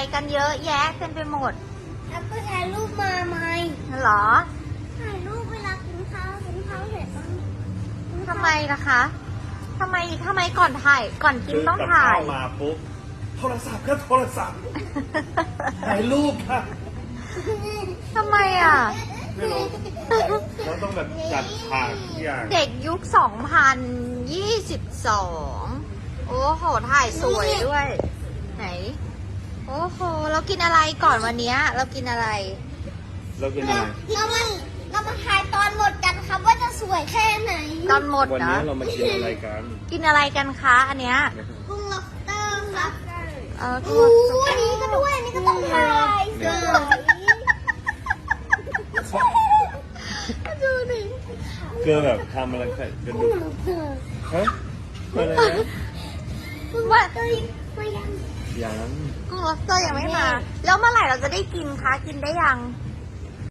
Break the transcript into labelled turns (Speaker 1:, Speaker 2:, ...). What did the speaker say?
Speaker 1: กันเยอะแยะเต็มไปหมด
Speaker 2: แล้วก็ถ่ายรูปมาไหม
Speaker 1: เหรอ
Speaker 2: ถ่ายรูปเวลากินข้าวเสร็จต้อง
Speaker 1: ทำไมล่ะคะทำไมก่อนถ่ายก่อนกินต้องถ่าย
Speaker 3: ซื้อกับข้วมาปุ๊บโทรศัพท์ก็โทรศัพท์ถ่ายรูปค่ะ
Speaker 1: ทำไมอ่ะ
Speaker 3: ไม่รู้เราต้องแบบจัดฉากทุกอย่าง
Speaker 1: เด็กยุค 2022 โอ้โห ถ่ายสวยด้วย ไหน โอ้โห เรากินอะไรก่อนวันเนี้ยเรากินอะไร
Speaker 3: เรากินอะไร
Speaker 2: เรามาถ่ายตอนหมดกันครับว่าจะสวยแค่ไหน
Speaker 1: ตอนหมด
Speaker 3: วัน
Speaker 1: เหร
Speaker 3: นี้
Speaker 1: อ
Speaker 3: เรามากินอะไรกัน
Speaker 1: กินอะไรกันคะอันเนี้ย
Speaker 2: กุ้งล็อบสเตอร์ครับ
Speaker 1: ตัว
Speaker 2: อันนี้ก็ด้วยอันนี้ก็ต้องถ่ายสวย
Speaker 1: ดูดิ
Speaker 3: เกลือแบบทำอะไรกันดูฮะอะไรนะ
Speaker 1: ว่า
Speaker 3: ยัง
Speaker 1: กุ้งล็อบสเตอร์ยังไม่มา แล้วเมื่อไหร่เราจะได้กินคะ กินได้ยัง
Speaker 3: ย